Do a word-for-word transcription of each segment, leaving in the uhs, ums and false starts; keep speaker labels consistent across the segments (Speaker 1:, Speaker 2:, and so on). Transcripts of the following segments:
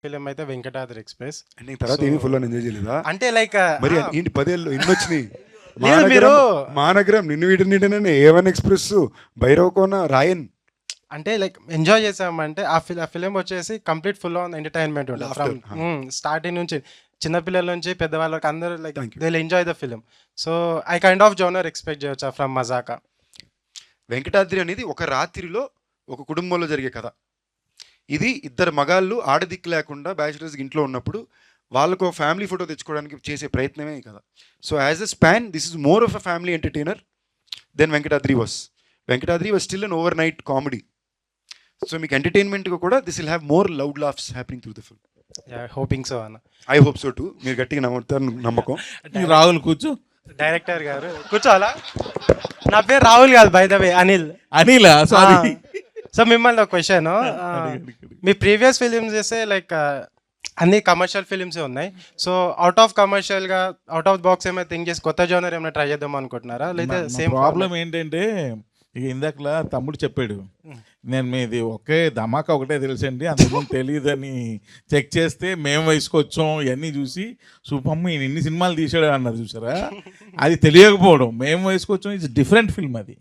Speaker 1: Film అయితే Venkatadri express.
Speaker 2: అంటే ఈ తర్వాత ఏమీ ఫుల్ ఎంజాయ్ చేయలేదా?
Speaker 1: అంటే లైక్
Speaker 2: మరి ఏంటి పదేళ్ళు ఇన్ని వచ్చినాయి?
Speaker 1: లేదు మీరు
Speaker 2: మానగరం నిన్ను వీటి నీటనే A one express, Bhairavakona, Raayan
Speaker 1: అంటే లైక్ ఎంజాయ్ చేసామంటే ఆ ఫిల్ ఆ ఫిలిం వచ్చేసి కంప్లీట్ ఫుల్ ఆన్ ఎంటర్టైన్మెంట్ ఉంటుంది ఫ్రమ్ స్టార్టింగ్ నుంచి చిన్నపిల్లల నుంచి పెద్దవాళ్ళకి అందరూ like they will enjoy the film. So I kind of genre expect చేయొచ్చా ఫ్రమ్ మజాకా.
Speaker 2: వెంకటాద్రి అనేది ఒక రాత్రిలో ఒక కుటుంబంలో జరిగే కథ. ఇది ఇద్దరు మగాళ్ళు ఆడదిక్కు లేకుండా బ్యాచిలర్స్ ఇంట్లో ఉన్నప్పుడు వాళ్ళకు ఫ్యామిలీ ఫోటో తెచ్చుకోవడానికి చేసే ప్రయత్నమే కదా. So as a span this is more of a family entertainer then Venkatadri was. Venkatadri was still an overnight comedy. So మీకు ఎంటర్టైన్మెంట్గా కూడా this will have more loud laughs happening through the film.
Speaker 1: Hoping so అన్న.
Speaker 2: I hope so too. మీరు గట్టిగా నమ్ముతారు నమ్మకం.
Speaker 3: రాహుల్ కూర్చో.
Speaker 1: Director గారు కూర్చోవాలా? నా పేరు రాహుల్ కాదు by the way, Anil.
Speaker 3: Anil sorry.
Speaker 1: So మిమ్మల్ని ఒక క్వశ్చన్, మీ ప్రీవియస్ ఫిలిమ్స్ చేస్తే లైక్ అన్ని కమర్షియల్ ఫిలిమ్స్ ఉన్నాయి. సో అవుట్ ఆఫ్ కమర్షియల్గా అవుట్ ఆఫ్ బాక్స్ ఏమైనా థింక్ చేసి కొత్త జోనర్ ఏమైనా ట్రై చేద్దాం అనుకుంటున్నారా? లేదా సేమ్
Speaker 3: ప్రాబ్లం ఏంటంటే ఇక ఇందాకలా తమ్ముడు చెప్పాడు, నేను మీది ఒకే ధమాకా ఒకటే తెలుసండి, అంతకుముందు తెలియదని చెక్ చేస్తే మేము వయసుకు వచ్చాం ఇవన్నీ చూసి సూపమ్మ ఈయన ఇన్ని సినిమాలు తీసాడు అన్నారు చూసారా. అది తెలియకపోవడం, మేము వయసుకు వచ్చాం ఇట్స్ డిఫరెంట్ ఫిల్మ్ అది.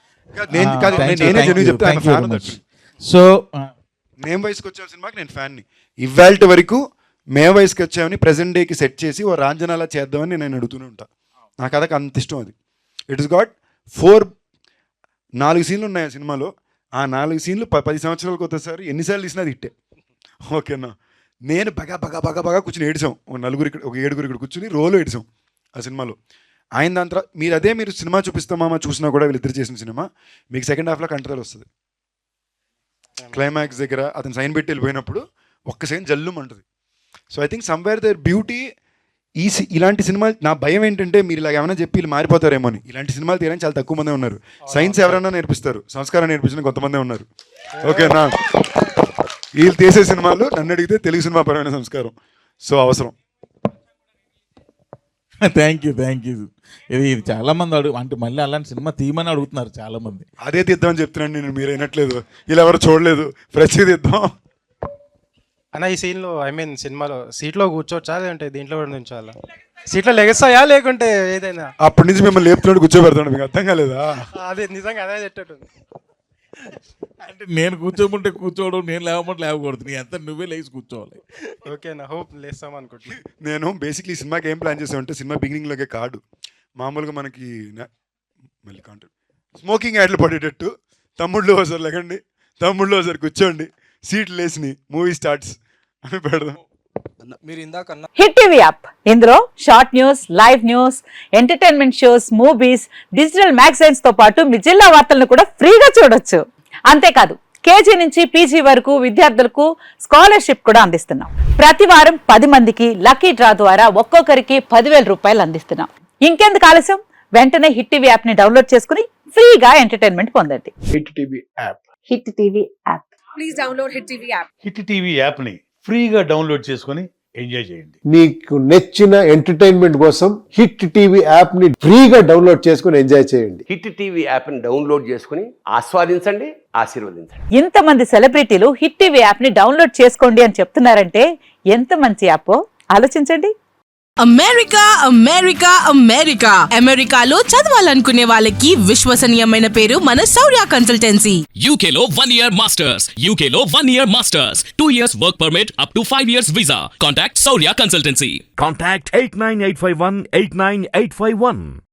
Speaker 3: సో
Speaker 2: మేము వయసుకు వచ్చే సినిమాకి నేను ఫ్యాన్ని. ఇవాళ వరకు మేము వయసుకు వచ్చామని ప్రజెంట్ డేకి సెట్ చేసి ఓ రాంజనాలా చేద్దామని నేను అడుగుతూనే ఉంటా. నాకు అదొక అంత ఇష్టం అది. ఇట్ ఇస్ గాట్ ఫోర్ నాలుగు సీన్లు ఉన్నాయి ఆ సినిమాలో. ఆ నాలుగు సీన్లు ప పది సంవత్సరాలకు ఒకసారి ఎన్నిసార్లు తీసినా అది ఇట్టే. ఓకేనా. నేను బగా బగా బగా బగా కూర్చొని ఏడిసాం. ఒక నలుగురు ఇక్కడ ఒక ఏడుగురు ఇక్కడ కూర్చుని రోలు ఏడిసాం ఆ సినిమాలో. ఆయన దాని తర్వాత మీరు అదే మీరు సినిమా చూపిస్తామా చూసినా కూడా వీళ్ళిద్దరు చేసిన సినిమా మీకు సెకండ్ హాఫ్లో కంట్రోల్ వస్తుంది. క్లైమాక్స్ దగ్గర అతను సైన్ పెట్టి వెళ్ళిపోయినప్పుడు ఒక్క సెకండ్ జల్లుం అంటుంది. So I think somewhere there beauty ఈ ఇలాంటి సినిమాలు. నా భయం ఏంటంటే మీరు ఇలా ఏమైనా చెప్పి వీళ్ళు మారిపోతారేమో అని. ఇలాంటి సినిమాలు తీయడానికి చాలా తక్కువ మందే ఉన్నారు. సైన్స్ ఎవరైనా నేర్పిస్తారు, సంస్కారం నేర్పించిన కొంతమందే ఉన్నారు. ఓకేనా. వీళ్ళు తీసే సినిమాలు నన్ను అడిగితే తెలుగు సినిమా పరమైన సంస్కారం. సో అవసరం.
Speaker 3: Thank you thank you. ఇది ఇది చాలా మంది అడుగు అంటే మళ్ళీ అలాంటి సినిమా తీయమని అడుగుతున్నారు చాలా మంది.
Speaker 2: అదే తీద్దామని చెప్తున్నాను నేను, మీరు అయినట్లేదు. ఇలా ఎవరు చూడలేదు, ఫ్రెష్ తీద్దాం
Speaker 1: అన్న. ఈ సీన్లో ఐ మీన్ సినిమాలో సీట్లో కూర్చోవచ్చా లేదంటే దీంట్లో కూడా నుంచోవాలా? సీట్లో లెగస్తాయా లేకుంటే ఏదైనా? అప్పటి నుంచి మిమ్మల్ని లేపుతున్నాడు కూర్చోబెడతాడు, మీకు అర్థం కాలేదా? అదే నిజంగా అదే చెట్టట్టు.
Speaker 3: అంటే నేను కూర్చోమంటే కూర్చోవడం, నేను లేవమంటే లేవకూడదు, నీ అంతా నువ్వే లేచి కూర్చోవాలి.
Speaker 1: ఓకేనా. హోప్ లేస్తాం అనుకుంటున్నా.
Speaker 2: నేను బేసిక్లీ సినిమాకి ఏం ప్లాన్ చేసామంటే సినిమా బిగినింగ్లోకే కాదు, మామూలుగా మనకి మళ్ళీ కాంటెంట్ స్మోకింగ్ యాడ్లు పడేటట్టు తమ్ముళ్ళు ఒకసారి లేకండి, తమ్ముళ్ళు ఒకసారి కూర్చోండి, సీట్లు లేసినాయి, మూవీ స్టార్ట్స్ అని పెడదాం.
Speaker 4: హిట్ టీవీ యాప్, ఇందులో short news, live news, entertainment shows, movies, digital magazines తో పాటు మీ జిల్లా వార్తలను కూడా ఫ్రీగా చూడొచ్చు. అంతేకాదు కేజీ నుంచి పీజీ వరకు విద్యార్థులకు స్కాలర్షిప్ కూడా అందిస్తున్నాం. ప్రతి వారం పది మందికి లక్కీ డ్రా ద్వారా ఒక్కొక్కరికి పదివేల రూపాయలు అందిస్తున్నాం. ఇంకెందుకు ఆలస్యం, వెంటనే హిట్ టీవీ యాప్ ని డౌన్లోడ్ చేసుకుని ఫ్రీగా ఎంటర్టైన్మెంట్ పొందండి.
Speaker 5: Hit TV app.
Speaker 4: Hit TV app.
Speaker 6: Please download Hit TV app.
Speaker 5: Hit TV app ని ఫ్రీగా డౌన్లోడ్ చేసుకొని ఎంజాయ్ చేయండి.
Speaker 7: మీకు నచ్చిన ఎంటర్టైన్మెంట్ కోసం హిట్ టీవీ యాప్ ని ఫ్రీగా డౌన్లోడ్ చేసుకొని ఎంజాయ్ చేయండి.
Speaker 8: హిట్ టీవీ యాప్ ని డౌన్లోడ్ చేసుకుని ఆస్వాదించండి, ఆశీర్వదించండి.
Speaker 4: ఇంతమంది సెలబ్రిటీలు హిట్ టీవీ యాప్ ని డౌన్లోడ్ చేసుకోండి అని చెప్తున్నారంటే ఎంత మంచి యాప్ ఆలోచించండి.
Speaker 6: అమెరికా అమెరికా అమెరికా అమెరికాలో చదవాలనుకునే వాళ్ళకి విశ్వసనీయమైన పేరు మన శౌర్య కన్సల్టెన్సీ.
Speaker 9: యూకేలో వన్ ఇయర్ మాస్టర్స్, యూకేలో one year masters, two years work permit, up to five years visa. Contact Shaurya consultancy.
Speaker 10: Contact eight nine eight five one eight nine eight five one.